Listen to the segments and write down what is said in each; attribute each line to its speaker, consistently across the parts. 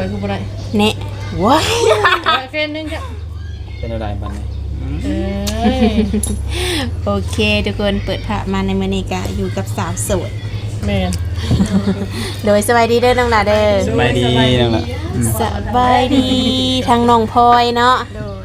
Speaker 1: อยกูบ่ได้
Speaker 2: แน่ว้าย
Speaker 1: เฟนนึงจ้ะ
Speaker 3: เป็นอะไรบัดนี้
Speaker 1: เอ้ย
Speaker 2: โอเคทุกคนเปิดภาพมาในมื้อนี้ก็อยู่กับสาวโสด
Speaker 1: แม่น
Speaker 2: โดยสบายดีเด้อน้องหลาเด้อ
Speaker 3: สบายดีนั่นล่ะ
Speaker 2: สบายดีทางน้องพลอยเนาะ
Speaker 4: โดย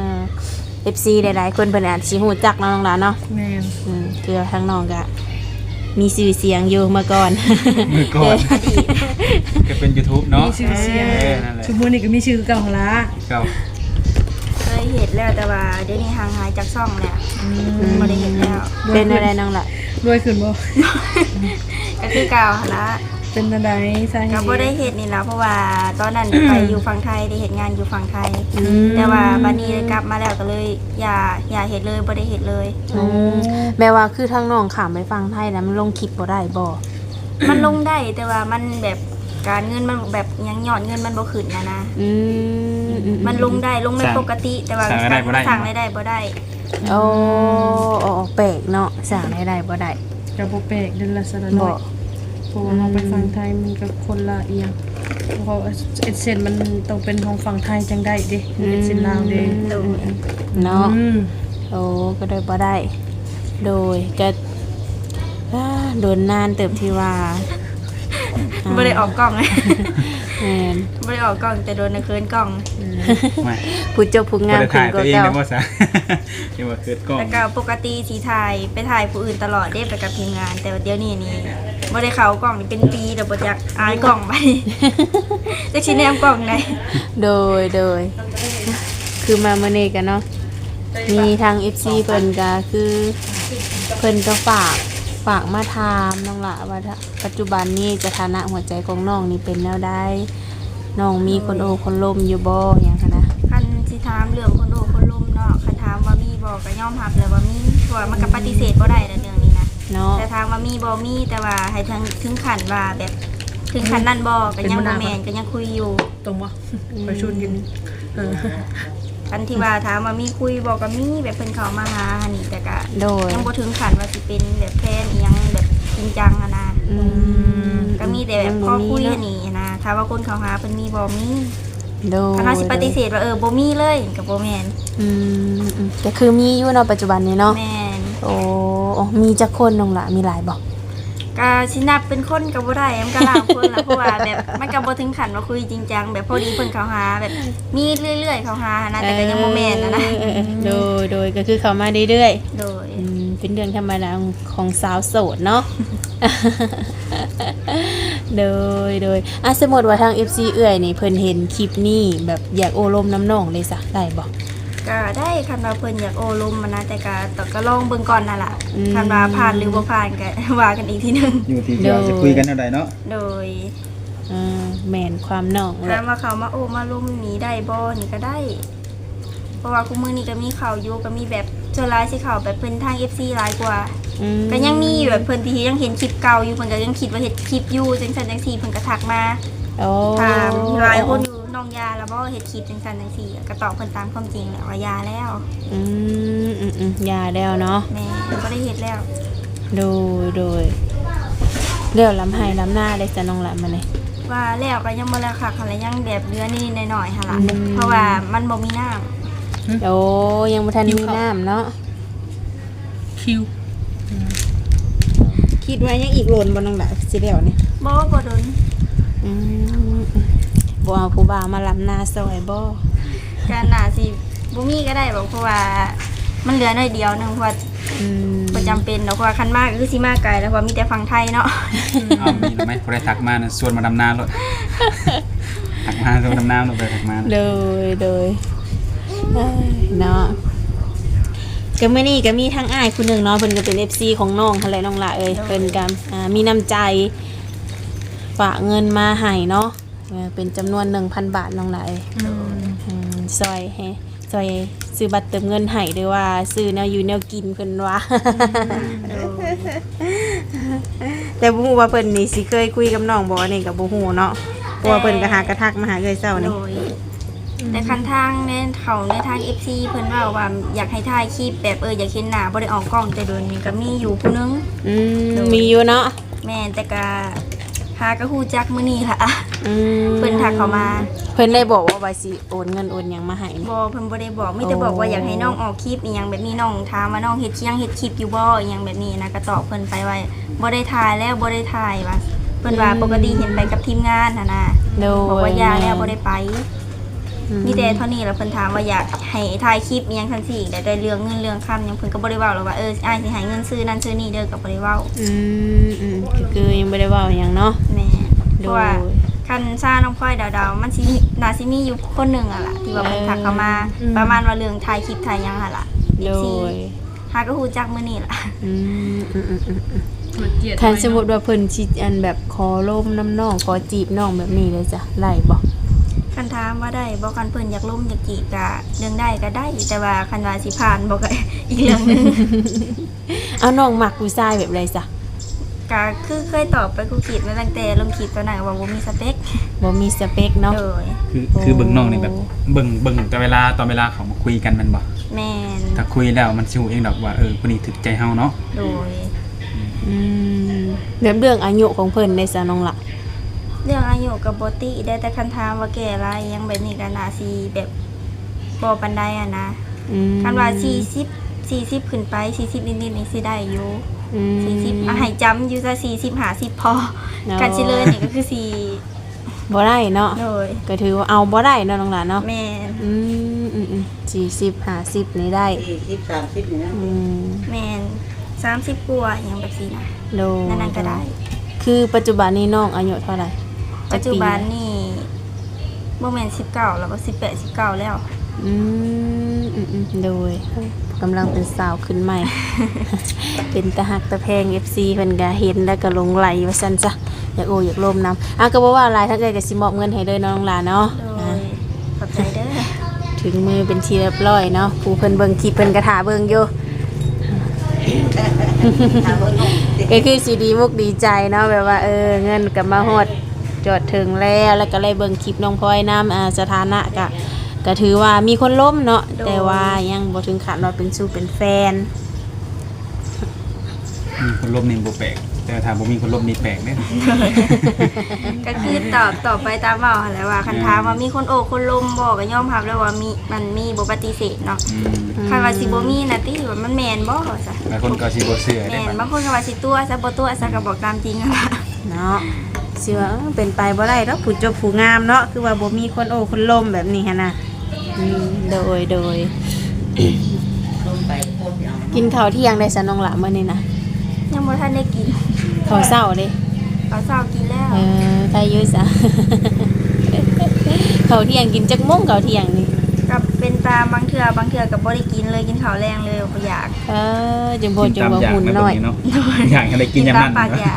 Speaker 2: FC หลายๆคนเพิ่นอาจสิฮู้จักเนาะน้องหลาเนาะ
Speaker 1: แม่น
Speaker 2: คือทางน้องก็มีชื่อเสียงอยู่มาก่อน
Speaker 3: มือก่อนก็เป็น YouTube เนาะ
Speaker 1: มีชื่อเสียง
Speaker 3: นั่นแหละ
Speaker 1: ชุมมื้อนี้ก็มีชื่อเก่าของละ
Speaker 3: เก่า
Speaker 4: เคยเห็นแล้วแต่ว่าเดี๋ยวนี้ห่างหายจากช่องแล้วบ่ได้เห็นแล้ว
Speaker 2: เป็นอะไรน้องล่ะ
Speaker 1: รวยขึ้นบ่
Speaker 4: ก็คือเก่าหั่นละ
Speaker 1: เป็นอะไรสาเห
Speaker 4: ก็
Speaker 1: ตุ
Speaker 4: บ่ได้เห็นนี่แล้วเพราะว่าตอนนั้นไปอยู่ฝั่งไทยได้เห็นงานอยู่ฝั่งไทย แต่ว่าบัดนี้กลับมาแล้วก็เลยอย่าเห็นเลยบ่ได้เห็นเลย
Speaker 2: แม้ว่าคือทางน้องข้ามไปฟังไทยนะมันลงคลิปบ่ได้บ่
Speaker 4: มันลงได้แต่ว่ามันแบบการเงินมันแบบยังยอดเงินมันบ่ขึ้นนะ
Speaker 2: อืม
Speaker 4: มันลงได้ปกติ แต่ว่าสั่งได้บ่ได้
Speaker 2: โอ้แปลกเนาะสร้างได้บ่ได้
Speaker 1: ก็บ่แปลกเดือนละสะ
Speaker 2: บ่
Speaker 1: น้อยเพราะว่าเราไปฝั่งไทยมันก็คนละเอียงเพราะเอ็ดเซนมันต้องเป็นของฝั่งไทยจังได้เด้เอ็ดเซนลาวเด้
Speaker 2: เนาะ
Speaker 1: อืม
Speaker 2: โอ้ก็ได้บ่ได้ โดยก็โดนนานเติบที่ว่า
Speaker 4: บ่ได้ออกกล้องเลย
Speaker 2: แม่น
Speaker 4: บ่ได้ออกกล้องแต่โดนในคืนกล้อง
Speaker 3: ไม่
Speaker 2: ผู้เจ้าผู้งาม
Speaker 3: บ่ได้
Speaker 2: ขึ้
Speaker 3: ถ่าน ย
Speaker 2: ก
Speaker 3: ตัว
Speaker 2: ว่า
Speaker 3: เอง
Speaker 2: เก่า
Speaker 3: ได้บ่ซะยังว่าเกิดกล้อง
Speaker 4: แต่ก็ปกติสีถ่ายไปถ่ายผู้อื่นตลอดได้ไปกับทีมงาน แต่ว่าเดี๋ยวนี้นี่บ่ได้เข้ากล้องนี่เป็นปีแล้วบ่อยากอายกล้องไป จักสิแนมกล้องได้
Speaker 2: โดยคือมามื้อนี้กันเนาะมีทาง FC เพิ่นก็คือเพิ่นก็ฝากมาถามน้องละว่าปัจจุบันนี้สถานะหัวใจของน้องนี่เป็นแนวใดน้องมีคนโอคนลมอยู่บ่หยังคะนะ
Speaker 4: คันสิถามเรื่องคนโอ้คนลมเนาะคันถามว่ามีบ่ก็ยอมรับเลยว่ามีเพราะว่ามันก็ปฏิเสธบ่ได้ในเรื่องนี้นะ
Speaker 2: เนาะ
Speaker 4: แต่ถามว่ามีบ่มีแต่ว่าให้ถึงขั้นว่าแบบถึงขั้นนั้นบ่ก็ยังบ่แม่นก็ยังคุยอยู่
Speaker 1: ตรงบ่ไปชุนกันเออ
Speaker 4: อันที่ว่าถามว่ามีคุยบ่ก็มีแบบเพิ่นเข้ามาหาหันนี่แต่ก็
Speaker 2: โดย
Speaker 4: ยังบ่ถึงขั้นว่าสิเป็นแบบแฟนอีหยังแบบจริงจังอะนะ ก็มีแต่แบบพ่อคุยอันนี้นะถ้าว่าคนเขาหาเป็นมีบ่มี
Speaker 2: โดย
Speaker 4: ถ้าเขาสิปฏิเสธว่าบ่มีเลยกับบ่แม่น
Speaker 2: แต่คือมีอยู่เนาะปัจจุบันนี้เนาะ
Speaker 4: แม่น
Speaker 2: โอ้มีจักคนน้องละมีหลายบ่
Speaker 4: ก็สินับเป็นคนก็บ่ได้มันก็หลายคนละเพราะว่าแบบมันก็บ่ถึงขั้นว่าคุยจริงจังแบบพอดีเพิ่นเขาหาแบบมีเรื่อยๆเขาหานะแต่ก็ยังบ่แม่นนะ
Speaker 2: โดยก็คือเข้ามาเรื่อย
Speaker 4: โดย
Speaker 2: ๆเป็นเรื่องธรรมดาของสาวโสดเนาะ โดยสมมติว่าทาง FC เอื้อยนี่เพิ่นเห็นคลิปนี้แบบอยากโอลมน้ำน้องเลยซะได้บ่
Speaker 4: ก็ได้คันว่าเพิ่นอยากโอลมมันนะแต่ก็ลองเบิ่งก่อนนั่นล่ะคันว่าผ่านหรือบ่ผ่านก็ ว่ากันอีกทีนึง
Speaker 3: อยู่ที่เราจะคุยกันเท่าใดเนาะ
Speaker 4: โดย
Speaker 2: แม่นความน้องแห
Speaker 4: ถา
Speaker 2: ละ
Speaker 4: มว่าเขามาโอมาลุมหนีได้บ่นี่ก็ได้ เพราะว่าคุมื้อนี้ก็มีข่าวอยู่ก็มีแบบโซลายสิข่าวแบบเพิ่นทาง FC หลายกว่า ก็ยังมีอยู่แบบเพิ่นที่ยังเห็นคลิปเก่าอยู่เพิ่นก็ยังคิดว่าเฮ็ดคลิปอยู่จังซั่นจังซี่เพิ่นก็ทักมา
Speaker 2: โอ้
Speaker 4: ถามหลายคนอยู่น้องยาแล้วบ่เฮ็ดคลิปจังซั่นจังซี่ก็ตอบเพิ่นตามความจริงแหละว่ายาแล้ว
Speaker 2: ยาแล้วเนาะ
Speaker 4: แม่บ่ได้เฮ็ดแล้ว
Speaker 2: โดยเลี้ยวลำไห้ลำหน้าได้จะน้องละมาเลย
Speaker 4: ว่าแล้วก็ยังบ่แล้วค่ะคันละยังแบบเหลือนิดๆหน่อยๆหั่นล่ะเพราะว่ามันบ่มีน้ำ
Speaker 2: โอ้ยังบ่ทันมีน้ำเนาะ
Speaker 1: คิว
Speaker 2: คิดว่ายังอีกโหลนบ่น้องละสิแล้วนี่
Speaker 4: บ่โดน
Speaker 2: บ่เอาผู้บ่าวมาลำหน้าซอยบ่
Speaker 4: ก็น่าสิบ่มีก็ได้บอกเพราะว่ามันเหลือน้อยเดียวนึงเพราะว่าบ่จำเป็นเนาะเพราะว่าคันมากก็คือสิมาไกลแล้วเพราะว่ามีแต่ฝั่งไทยเนาะ
Speaker 3: เอามีหรือไม่บ่ได้ทักมาน่ะชวนมาดำนาโลดทักมาชวนดำนาโลดไปทักมา
Speaker 2: โดยเนาะก็มื้อนี้ก็มีทั้งอ้ายผู้หนึงเนาะเพิ่นก็เป็น FC ของน้องหั่นแหละน้องละเอ้ยเพิ่นก็มีน้ำใจฝากเงินมาให้เนาะเป็นจำนวน 1,000 บาทน้องละเอ้ยซอยซื้อบัตรเติมเงินให้ด้วยว่าซื้อแนวอยู่แนวกินเพิ่นว่า แต่บ่ฮู้ว่าเพิ่นนี่สิเคยคุยกับน้องบ่นี่ก็บ่ฮู้เนาะเพราะว่าเพิ่นก็หากระทักมาหาเอ้ยเช้านี่
Speaker 4: โดยแต่คันทางในเขาในทาง FC เพิ่นว่าอยากให้ถ่ายคลิปแบบอยากเห็นหน้าบ่ได้ออกกล้องแต่โดนนี่ก็มีอยู่ผู้นึง
Speaker 2: มีอยู่เนาะ
Speaker 4: แม่นแต่ก็หหากระฮู้จักมื้อนี้ล่ะ
Speaker 2: อืม
Speaker 4: เพิ่นทักเข้ามา
Speaker 2: เพิ่นได้บอกว่าสิโอนเงินโอนหยังมาให้นี่
Speaker 4: บ่เพิ่นบ่ได้บอกมีแต่บอกว่าอยากให้น้องออกคลิปอีหยังแบบนี้น้องถามว่าน้องเฮ็ดเคลิปอยู่บ่อีหยังแบบนี้นะก็ตอบเพิ่นไปว่าบ่ได้ถ่ายแล้วบ่ได้ถ่ายว่าเพิ่นว่าปกติเห็นไปกับทีมงานน่ะนะ
Speaker 2: โดย
Speaker 4: บอกว่าอย่าแล้วบ่ได้ไป
Speaker 2: อื
Speaker 4: มีแต่เท่านี้แหล้วเพิ่นถามว่าอยากให้ถ่ายคลิปอีหยังซั่นสิได้เรื่องเงินเรื่องคำหยังเพิ่นก็บ่ได้เว้าหรอกว่าอ้ายสิให้เงินซื้อนั่นซื้อนี่เด้อก็บ่ได้เว้า
Speaker 2: ก็คือยังบ่ได้เว้าหยังเนาะ
Speaker 4: แม่เพ
Speaker 2: โด
Speaker 4: ราะว่าย คันซ่าน้องพลอยดาวๆมันสิน่าสิมีอยู่คนหนึงอ่ะล่ะที่ว่าเพิ่นทักเข้ามาประมาณว่าเรื่องถ่ายคลิปถ่ายหยังหั่นล่ะ
Speaker 2: โด
Speaker 4: FC
Speaker 2: ย
Speaker 4: หาก็ฮู้จักมื้อนี้ล่ะ
Speaker 2: อืม
Speaker 1: มันเกลียด
Speaker 2: คันสมมุติว่าเพิ่นสิอันแบบขอล่มน้ำน้องขอจีบน้องแบบนี้เลยจ้ะไล่บ่
Speaker 4: คันถามว่าได้บ่คันเพิ่นอยากล้มอยากจีบก็เรื่องได้ก็ได้ แต่ว่าคันว่าสิผ่านบ่ก็ อีกเรื่องหนึง
Speaker 2: เอาน้องมักผู้ชายแบบไรจ้ะ
Speaker 4: ก็คือเคยตอบไปกูคิดมาตั้งแต่ลงคลิปตอนนั้นว่าบ่มีสเปค
Speaker 2: บ่มีสเปคเนาะ
Speaker 4: โดย
Speaker 3: คือเบิ่งน้องนี่แบบเบิ่งแต่เวลาตอนเวลาเขามาคุยกันแมันบ่
Speaker 4: แม่น
Speaker 3: ถ้าคุยแล้วมันสิฮู้เองดอกว่าคนนี้ถึกใจเฮาเนาะ
Speaker 4: โดย
Speaker 2: อืมแบบเรื่องอายุของเพิ่นในซะน้องล่ะ
Speaker 4: เรื่องอายุกับบ่ติได้แต่คันถามว่าแก่หลายอิหยังแบบนี้ก็น่าสิแบบบ่ปานใดอะนะ
Speaker 2: อืม
Speaker 4: คันว่า40ขึ้นไป40นิดๆนี่สิได้อยู่
Speaker 2: อืม
Speaker 4: 40ให้จำอยู่ซะ40 50พอ
Speaker 2: เนาะ
Speaker 4: กันสิเลยนี่ก็คือสิ
Speaker 2: บ่ได้เนาะ
Speaker 4: โดย
Speaker 2: ก็ถือว่าเอาบ่ได้เนาะน้องล่ะเนาะ
Speaker 4: แม่น
Speaker 2: 40 50นี่ได้
Speaker 5: 40 30นี่นะ
Speaker 2: อืม
Speaker 4: แม่น30กว่าอหยังแบบนี้นะ
Speaker 2: โด
Speaker 4: นั่นก็ได้
Speaker 2: คือปัจจุบันนี้น้องอายุเท่าไหร่
Speaker 4: ปัจจุบันนี่บ่แม่น19แล้วก็18 19แล้ว
Speaker 2: อืมโดยกำลังเป็นสาวขึ้นใหม่ เป็นตะหักตะแพง FC เพิ่นก็เห็นแล้วก็หลงไหลว่าซั่นจ้ะอยากโออยากลมน้ำก็บ่ว่าหลายทั้งเอ้ยก็สิมอบเงินให้เลยเนาะน้องหลานเนาะ
Speaker 4: โดยขอบใจเด้อ
Speaker 2: ถึงมือเป็นที่เรียบร้อยเนาะผู้เพิ่นเบิ่งคลิปเพิ่นก็ท่าเบิ่งอยู่ ก็คือสิดีมุกดีใจเนาะแบบว่าเงินก็มาฮอดจอดถึงแล้วก็เลยเบิ่งคลิปน้องพลอยนำสถานะก็ถือว่ามีคนล้มเนาะแต่ว่ายังบ่ถึงขั้นว่าเป็นสู้เป็นแฟน
Speaker 3: มีคนลบนี่บ่แปลกแต่ถ้าบ่มีคนลบนี่แปลกเด้
Speaker 4: ก็คือตอบไปตามเว้าหั่นแหละว่าคันถามว่ามีคนโอบคนลมบ่ก็ยอมรับแล้วว่ามันมีบ่ปฏิเสธเนาะคันว่าสิบ่มีน่ะติว่ามันแม่นบ่ซะ
Speaker 3: หลายคนก็สิบ่เชื่อได้
Speaker 4: แม่น
Speaker 3: บัด
Speaker 4: บางคนก็ว่าสิตัวซะบ่ตัวซะก็บอกตามจริงอะล่ะ
Speaker 2: เนาะสิว่าเป็นไปบ่ได้ดอกผู้จบผู้งามเนาะคือว่าบ่มีคนโอ้คนล้มแบบนี้หั่นน่ะโดย
Speaker 5: ลงไปโคตรเอา
Speaker 2: กินข้าวเที่ยงได้ซะน้องหละมื้อนี้นะ
Speaker 4: ยังบ่ทันได้กิน
Speaker 2: ข้าวเช้าเด้
Speaker 4: เอาเช้ากินแล้ว
Speaker 2: ใครอยู่ซะ ข้าวเที่ยงกินจักโมงข้าวเที่ยงนี่
Speaker 4: กับเป็นตามบางเทื่อก็บ่ได้กินเลยกินข้าวแรงเลยบ่อยาก
Speaker 2: จังบ่จังว่าหุ่นน้อย
Speaker 3: เนาะอยากให้ได้กินอย่าง
Speaker 4: ตา
Speaker 3: นั้
Speaker 4: ม
Speaker 3: น
Speaker 4: ปากอยาก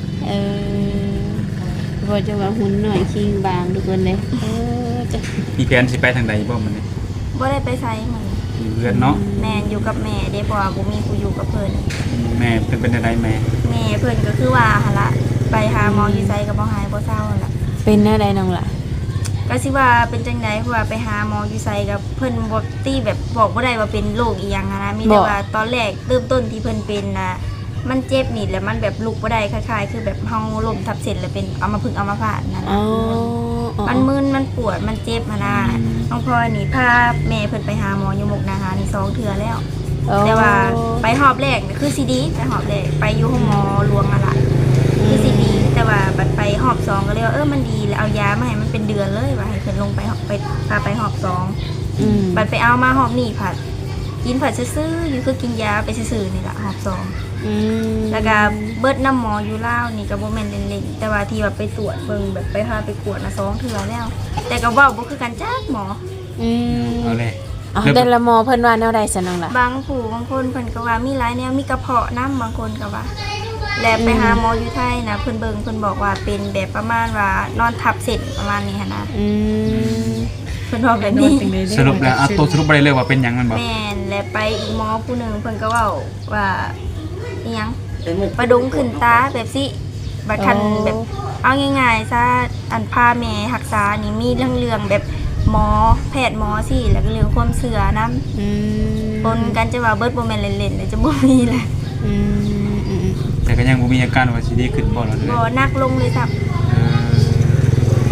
Speaker 2: บ่จังว่าหุ่นน้อยคิงบางทุกคนเลยจ้ะ
Speaker 3: มีแผนสิไปทางใดบ่มันนี่
Speaker 4: บ่ได้ไปไสมื้อนี้
Speaker 3: มีเพื่อนเนาะ
Speaker 4: แม่นอยู่กับแม่เด้เพราะว่าบ่มีผู้อยู่กับเพิ่น
Speaker 3: แม่เพิ่นเป็นอะไรแม่
Speaker 4: แม่เพิ่นก็คือว่าหั่นล่ะไปหาหมออยู่ไสก็บ่หายบ่เศร้าหั่นล่ะ
Speaker 2: เป็นแนวใดน้องล่ะ
Speaker 4: ก็สิว่าเป็นจังได๋เพราะว่าไปหาหมออยู่ไสกับเพิ่นบ่ตีแบบบอกบ่ได้ว่าเป็นโรคอีหยังอะนะมีแต่ว่าตอนแรกเริ่มต้นที่เพิ่นเป็นน่ะมันเจ็บนี่แหละมันแบบลุกบ่ได้คล้ายๆคือแบบเฮาล้มทับเส้นแล้วเป็นอัมพฤกษ์อัมพาตนั่น
Speaker 2: อ๋อ
Speaker 4: น่ะมันมึนมันปวดมันเจ็บหั่นน่ะน้องพลอยนี่พาแม่เพิ่นไปหาหมออยู่มุกดาหารนี่2เทื่อแล้ว แต่ว่าไปหอบแรกนี่คือซีดีไปหอบแรกไปอยู่ห้องหมอหลวงอะล่ะคือซีดีแต่ว่าบัดไปหอบสองก็เลยว่ามันดีแล้วเอายามาให้มันเป็นเดือนเลยว่าให้เพิ่นลงไปหอบไปพาไปหอบสองบัดไปเอามาหอบนี่ผัดกินผัดซื่อๆอยู่คือกินยาไปซื่อๆนี่ล่ะหอบสองแล้วก็เบิดน้ำหมออยู่ลาวนี่ก็บ่แม่นเล่นๆแต่ว่าที่ว่าไปตรวจเบิ่งแบบไปพาไปกวดมา2เทื่อแล้ว แต่ก็เว้าบ่คือกันจักหมอ
Speaker 3: เอาเลย
Speaker 2: แต่ละหมอเพิ่นว่าแนวใดซะน้องล่ะ
Speaker 4: บางผู้บางคนเพิ่นก็ว่ามีหลายแนวมีกระเพาะน้ำบางคนก็ว่า แล้วไปหาหมออยู่ไทยนะเพิ่นเบิ่งเพิ่นบอกว่าเป็นแบบประมาณว่านอนทับเส้นประมาณนี้หั่นนะเพิ่นบอกแบบนี้
Speaker 3: สรุปแล้วตัวสรุปบ่ได้เลยว่าเป็นหยังมันบ่
Speaker 4: แม่นและไปอีกหมอผู้หนึงเพิ่นก็เว้าว่าอีหยัง
Speaker 5: ไปหมุก
Speaker 4: ประดุงขึ้นตาแบบสิบัดคันแบบเอาง่ายๆซะอันพาแม่รักษานี่มีเรื่องแบบหมอแพทย์หมอสิแล้วก็เรื่องความเชื่อนำปนกันจะว่าเบิดบ่แม่นเล่นๆเลยจะบ่มีแหละ
Speaker 3: แต่ก็ยังบ่มีอาการว่าสิดีขึ้นบ่ล่ะเด้
Speaker 4: บ่
Speaker 3: อ
Speaker 4: นักลงเลยจ้ะ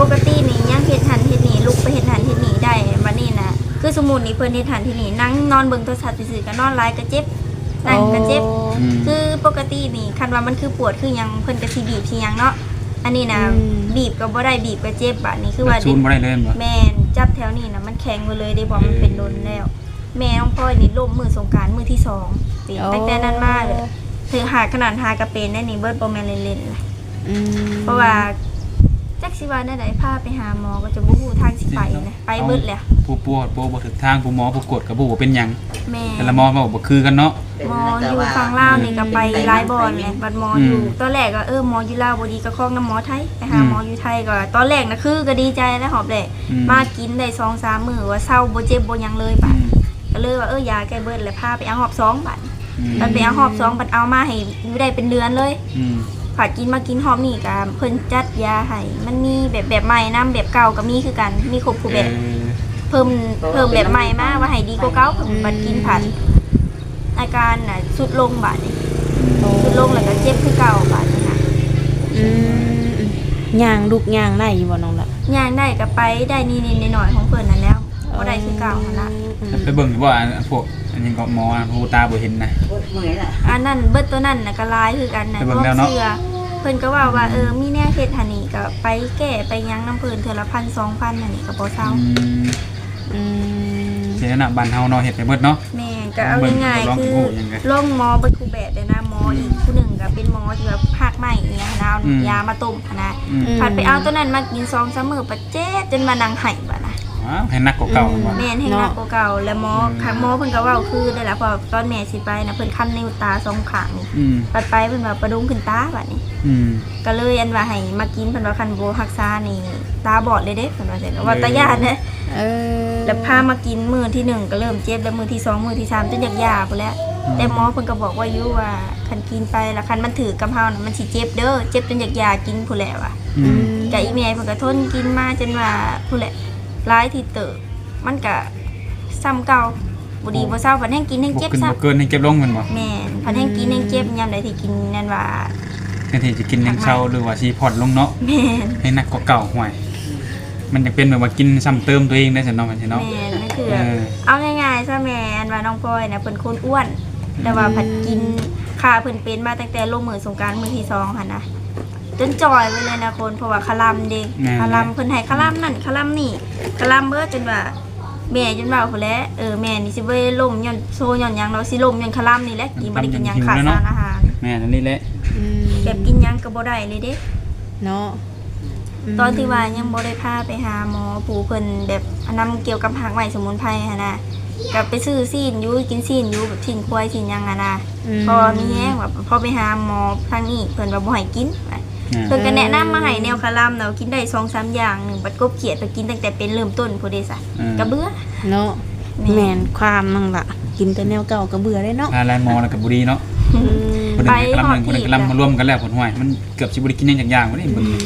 Speaker 4: กตินี่ยังเฮ็ดหันเฮ็ดนี่ลุกไปเฮ็ดหันเฮ็ดนี่ได้บัดนี้นะคือสมมุตินี่เพิ่นเฮ็ดหันเฮ็ดนี่นั่งนอนเบิ่งโทรศัพท์ซื่อๆก็นอนหลายก็เจ็บนั่งก็เจ็บ
Speaker 3: อืม
Speaker 4: คือปกตินี่คันว่ามันคือปวดคือหยังเพิ่นก็สิบีบสิหยังเนาะอันนี้นะบีบก็บ่ได้บีบก็เจ็บบัดนี้คือว่า
Speaker 3: ชูนบ่ได้เลยแม่นบ่
Speaker 4: แม่นจับแถวนี้นะมันแข็งไปเลยได้บอกมันเป็นโดนแล้ว แม่น้องพลอยนี่ล้มมือสงกรารมือที่2ปีตั้งแต่นั้นมาเลยถือหาขนาดหากระเป็นได้นี่เบิดบ่แม่นเล่นๆนะ
Speaker 2: อืม
Speaker 4: เพราะว่าจักสิว่าได้พาไปหาหมอก็จะบ่ฮู้ทางสิไปนะไปเบิดแหละ
Speaker 3: ผู้ปวดบ่ถึกทางผู้หมอผู้กดก็บ่ว่าเป็นหยัง
Speaker 4: แม่
Speaker 3: แต่ละหมอบ่คือกันเนาะ
Speaker 4: หมออยู่ฝั่งลาวนี่ก็ไปหลายบ่อนแหละบัดหมออยู่ตอนแรกก็หมออยู่ลาวบ่ดีก็คล้องน้ำหมอไทยไปหาหมออยู่ไทยก็ตอนแรกนะคือก็ดีใจแล้วหอบแหละมากินได้ 2-3 มื้อว่าเศร้าบ่เจ็บบ่หยังเลยบัดก็เลยว่ายาแก้เบิดแล้วพาไปเอาหอบ2บัดมันไปเอาหอบ2บัดเอามาให้อยู่ได้เป็นเดือนเลย ผัดกินมากินหอมนี่กับเพิ่นจัดยาให้มันมีแบบใหม่นํแบบเก่าก็มีคือกันมีครบทุกแบบเพิ่มแบบใหม่มาว่าให้ดีกว่าเก่าเพิ่นบัดกินผัดอาการน่ะสุดลงบาดนี่สุดลงแล้วก็เจ็บคือเก่าบาดนี่ค่ะ
Speaker 2: อืมย่างลูกย่างได้อยู่บ่น้องละ
Speaker 4: ย่างได้ก็ไปได้นิดๆหน่อยๆของเพิ่นนั่นแล้วบ่ได้คือเก่าหั่นล่ะ
Speaker 3: ไปเบิ่งอยู่ว่าพวกอันนี้ก็หมอผู้ตาบ่เห็นนะ
Speaker 5: เมื่อยล่ะ
Speaker 4: อันนั้นเบิดตัวนั้นน่ะก็ลายคือกันน่ะ
Speaker 3: ไปเบิ่
Speaker 4: พว
Speaker 3: ง
Speaker 4: ก
Speaker 3: แล้วเนาะ
Speaker 4: เสื้อเพิ่นก็ว่ามีแนวเฮ็ดหั่นนี่ก็ไปแก้ไปหยังน้ำเพิ่นเทื่อละ1,000-2,000นั่นนี่ก็บ่เซา
Speaker 2: อืม
Speaker 3: เสียนะบ้านเฮาเนาะเฮ็ดไปเบิดเนาะ
Speaker 4: แม่ก็เอาง่ายๆคือ
Speaker 3: เบิ่งยังไง
Speaker 4: โรงหมอเบิดคูแบบเลยนะหมออีกผู้หนึ่งก็เป็นหมอที่แบบภาคใหม่อย่างเงี้ยนะเอายามาต้มนะผัดไปเอาตัวนั้นมากิน2-3 มื้อปะเจ๊จนมานั่งไห้บัดนะ
Speaker 3: อ้าวให้นักกว่าเก่าบ่
Speaker 4: แม่นให้หนักกว่าเก่าแล้วหมอหมอเพิ่นก็เว้าคือได้ล่ะพอตอนแม่สิไปนะเพิ่นคันนิ้วตา2ข้างนี่
Speaker 3: อืม
Speaker 4: ปัดไปเพิ่นว่าประดุงขึ้นตาบัดนี้
Speaker 3: อืม
Speaker 4: ก็เลยอันว่าให้มากินเพิ่นว่าคันบ่รักษานี่ตาบอดเลยเด้เพิ่นว่าจังว่าตาญาติเด้
Speaker 2: เออ
Speaker 4: แล้วพามากินมื้อที่1ก็เริ่มเจ็บแล้วมื้อที่2มื้อที่3จนอยากยาพุ่นแหล้วแต่หมอเพิ่นก็บอกว่าอยู่ว่าคันกินไปแล้วคันมันถือกับเฮาน่ะมันสิเจ็บเด้อเจ็บจนอยากยากินพุ่นแหละว่ะ
Speaker 3: อืม
Speaker 4: ก็อีแม่เพิ่นก็ทนกินมาจนว่าพุ่นแหละหลายที่เติบมันก็ซ้ำเก่าบ่ดีบ่เซาพันแฮงกินแฮง
Speaker 3: บ่
Speaker 4: เจ็บ
Speaker 3: ขึ้น
Speaker 4: ซะ
Speaker 3: บ่เกินให้เก็บลงแม่นบ่
Speaker 4: แม่นพันแฮงกินแฮงเจ็บยามใดที่กินนั่นว่า
Speaker 3: แทนที่จะกินยังเช้าหรือว่าสิผ่อนลงเนาะ
Speaker 4: แม่น
Speaker 3: ให้นักกว่าเก่าห่วยมันจะเป็นแบบว่ากินซ้ำเติมตัวเองได้ซั่นเนาะมันสิเนาะ
Speaker 4: แม่นนั่นคือ
Speaker 3: เออ
Speaker 4: เอาง่ายๆซะแม่อันว่าน้องพลอยน่ะเพิ่นคนอ้วน แต่ว่าผัดกินค่าเพิ่นเป็นมาตั้งแต่ลงมือสงกรานต์มื้อที่2หั่นนะจนจอยไว้เลยนะคนเพราะว่าคาลัมเด้คาลัมเพิ่นให้คาลัมนั่นคาลัมนี่คาลัมเบิดจนว่าแม่จนว่าพุ่นแหละแม่นี่สิบ่ได้ล่มย้อนโซย้อนหยังเนาะสิล่มย้อนคาลัมนี่แหละกินบ่ได้กินหยังขาดสารอาหาร
Speaker 3: แม่นั่นนี่แหละ
Speaker 2: อืม
Speaker 4: แบบกินหยังก็บ่ได้เลยเด้
Speaker 2: เนาะ
Speaker 4: ตอนที่ว่ายังบ่ได้พาไปหาหมอปู่เพิ่นแบบอันนำเกี่ยวกับผักใหม่สมุนไพรหั่นน่ะก็ไปซื้อซีนอยู่กินซีนอยู่แบบทิ้งควายทิ้งหยังอ่ะนะพอมีแฮงว่าพอไปหาหมอทางนี้เพิ่นว่าบ่ให้กินเพิ่นก็แนะนำมาให้แนวคาลัมเนาะกินได้ 2-3 อย่างหนึงบัดกบเขียดไปกินตั้งแต่เป็นเริ่มต้นพุ่นเด้ซะก็เบื่อ
Speaker 2: เนาะแม่นความนั่งละกินแต่แนวเก่าก็เบื่อได้เนาะ
Speaker 3: พาลายหมอแล้วก็บ่ดีเนาะ
Speaker 2: อืม
Speaker 3: คนหนึงกำลังคนหนึงกำลังมารวมกันแล้วผลห่วยมันเกือบสิบ่ได้กินหยังจักอย่างบ่ได้เบิ่ง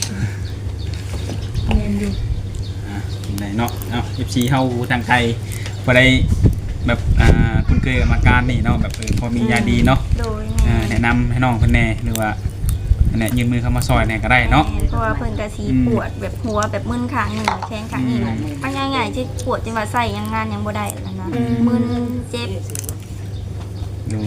Speaker 1: แม่นอยู่
Speaker 3: ไหนเนาะเอ้า FC เฮาทางไกลบ่ได้แบบคุณเคยอาการนี่เนาะแบบพอมียาดีเนาะ
Speaker 4: โดยแม่
Speaker 3: แนะนำให้น้องเพิ่นแหน่หรือว่าอันเนี้ยยืนมือเข้ามาซอยแหน่ก็ได้เนาะ
Speaker 4: เพราะว่าเพิ่นก็สิปวดแบบหัวแบบมึนข้างหนึงแขนข้างนี้มันง่ายๆที่ปวดจนว่าใส่ยังงานยังบ่ได้แล้วนะมึนเจ็บ
Speaker 3: ดู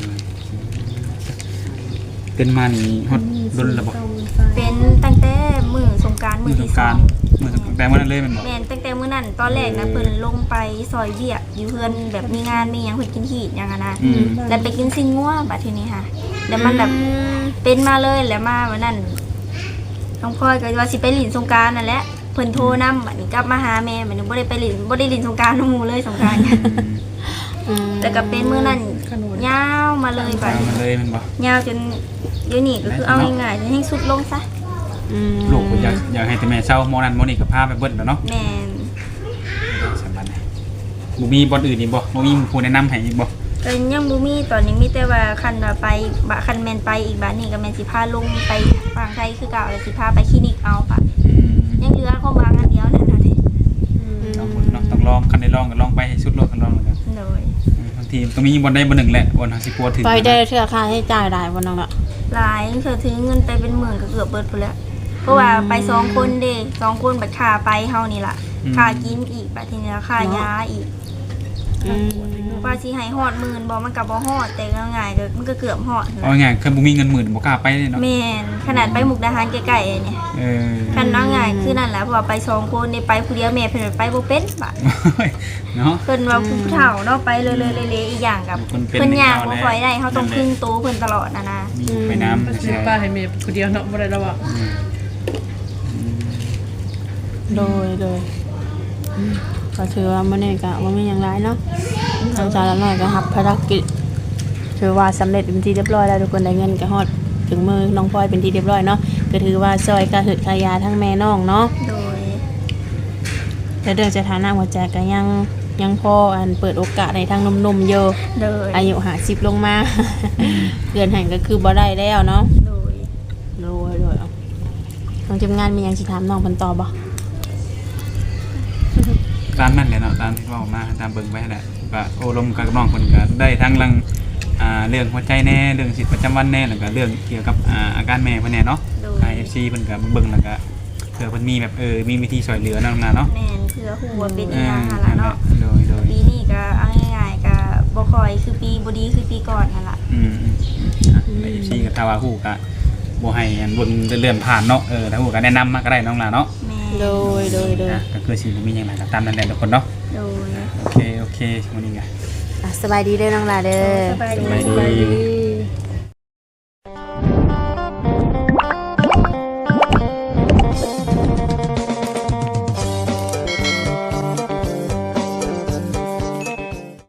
Speaker 3: เป็นมานี่ฮอดรุนระบบ
Speaker 4: เป็นตั้งแต่มื้อสงกรานต์
Speaker 3: มื
Speaker 4: มื้
Speaker 3: อ
Speaker 4: อ
Speaker 3: สง
Speaker 4: ที่
Speaker 3: ก
Speaker 4: ส
Speaker 3: รา
Speaker 4: อ
Speaker 3: รง มือสงกรานต์แต่วันนั้นเลยแมันบอก
Speaker 4: แม่นตั้งแต่มื้อนั้นตอนแรกนะเพิ่นลงไปซอยเวียกอยู่เฮือนแบบมีงานมีหยังเพิ่นกินฮีดหยังอะนะแล้วไปกินซิงงัวบัดทีนี้ค่ะแล้วมันแบบเป็นมาเลยแล้วมาวันนั้นน้องพลอยก็ว่าสิไปหลินสงกรานต์นั่นแหละเพิ่นโทรนำบัดนี้กลับมาหาแม่บัดนี้บ่ได้ไปหลินสงกรานต์น้องหมู่เลยสงกรานต์ แล้วก็เป็นมื้อนั้นยาวมาเลยบัด
Speaker 3: เอามาเลยแมันบอก
Speaker 4: ยาวจนเดี๋ยวนี้ก็คือเอาง่ายๆจนให้สุดลงซะ
Speaker 3: ลูกก็อยากให้แต่แม่เช่าโมนั้นโมนี่ก็พาไปเบิ้ลแล้วเนาะ
Speaker 4: แม่น
Speaker 3: สำคัญนะบุมีบอลอื่นอีกบ่บุมีผู้แนะนำให้อีกบ่
Speaker 4: ก็ยังบ่มีตอนนี้มีแต่ว่าคันว่าไปบะคันแม่นไปอีกบัดนี้ก็แม่นสิพาลงไปฝั่งไทยคือเก่าแล้วสิพาไปคลินิกเอาค่ะยังเหลือของบางอันเดียวนั่นน่ะเด้
Speaker 3: ต้องลองคันได้ลองก็ลองไปให้สุดโลกกันลองกัน
Speaker 4: โดย
Speaker 3: บางทีต้องมีบอลได้บอลหนึ่งแหละบอลสิกลัวถึง
Speaker 2: ไปได้เทื่อค่าใช้จ่ายได้บ่น้องละ
Speaker 4: หลายเธอถือเงินไปเป็นหมื่นก็เกือบเบิดพุ่นแล้วเพราะว่าไป2คนเด้2คนบัดค่าไปเฮานี่ล่ะค่ากินอีกบัดทีนี้แล้วค่ายาอีก ว่าสิให้ฮอดหมื่นบ่มันก็บ่ฮอดแต่ก็ง่ายก็มันก็เกือบฮอด
Speaker 3: เอาง่ายๆคือบ่มีเงินหมื่นบ่กล้าไปเลยเนาะ
Speaker 4: แม่นขนาดไปมุกดาหารใกล้ๆเนี่ย
Speaker 3: เออ
Speaker 4: คันว่าง่ายคือนั่นแหละเพราะว่าไป2คนนี่ไปผู้เดียวแม่เพิ่นไปบ่เป็นบาด
Speaker 3: เนาะ
Speaker 4: เพิ่นว่าผู้เฒ่าเนาะไปเลยๆๆอีกอย่างกับ
Speaker 3: คนเป็น
Speaker 4: เพิ่นย่าง
Speaker 3: เด็ก
Speaker 4: บ่
Speaker 3: เฒ่า
Speaker 4: ค่อยได้เฮาต้อง
Speaker 3: นั่นแหละ
Speaker 4: พึ่งโตเพิ่นตลอดนะ
Speaker 3: มีไปน้ำ
Speaker 1: ก็ซื้อป้าให้แม่ผู้เดียวเนาะบ่ได้แล้วอ่ะ
Speaker 2: โดยก็ถือว่ามื้อนี้ก็บ่มีหยังหลายเนาะทางสาวละน้อยก็รับภารกิจถือว่าสำเร็จเป็นที่เรียบร้อยแล้วทุกคนได้เงินก็ฮอดถึงมือน้องพลอยเป็นที่เรียบร้อยเนาะก็ถือว่าซอยกระหืดกระยาทั้งแม่น้องเนาะ
Speaker 4: โดย
Speaker 2: แต่เรื่องสถานะหัวใจก็ยังพออันเปิดโอกาสในทางหนุ่มๆอยู่
Speaker 4: โดย
Speaker 2: อายุ50ลงมา เดือนหันก็คือบ่ได้แล้วเนาะ
Speaker 4: โดย
Speaker 2: โดยเอาทางทีมงานมีหยังสิถามน้องเพิ่นต่อบ่
Speaker 3: ตามนั่นแหละเนาะตามที่เว้ามาตามเบิ่งไว้แหละก็โอ้ลมกับน้องเพิ่นก็ได้ทั้งเรื่องหัวใจแน่เรื่องชีวิตประจำวันแน่แล้วก็เรื่องเกี่ยวกับอาการแม่เพิ่นแน่เนาะ
Speaker 4: โดย
Speaker 3: FC เพิ่นก็เบิ่งแล้วก็เผื่อเพิ่นมีแบบมีวิธีช่วยเหลือเนาะน้องนาเนาะ
Speaker 4: แม่นคือฮู้ว่าเป็นอีหยังหั่นล่ะเนาะ
Speaker 3: โดย
Speaker 4: ปีนี้ก็เอาง่ายๆก็บ่ค่อยคือปีบ่ดีคือปีก่อนนั่นล่ะ
Speaker 3: ไป FC ก็ถ้าว่าฮู้ก็บ่ให้อันบนเลื่อนผ่านเนาะถ้าฮู้ก็แนะนำมาก็ได้น้องนาเนาะ
Speaker 4: แม่
Speaker 2: โดย
Speaker 3: ก็คือสิบ่มีหยังหลายก็ตามนั่นแหละทุกคนเนาะ
Speaker 4: โดย
Speaker 3: โอเคมื้อนี้ก็
Speaker 2: สบายดีเด้อน้องลาเด้อ
Speaker 4: สบายดี
Speaker 3: สบายดี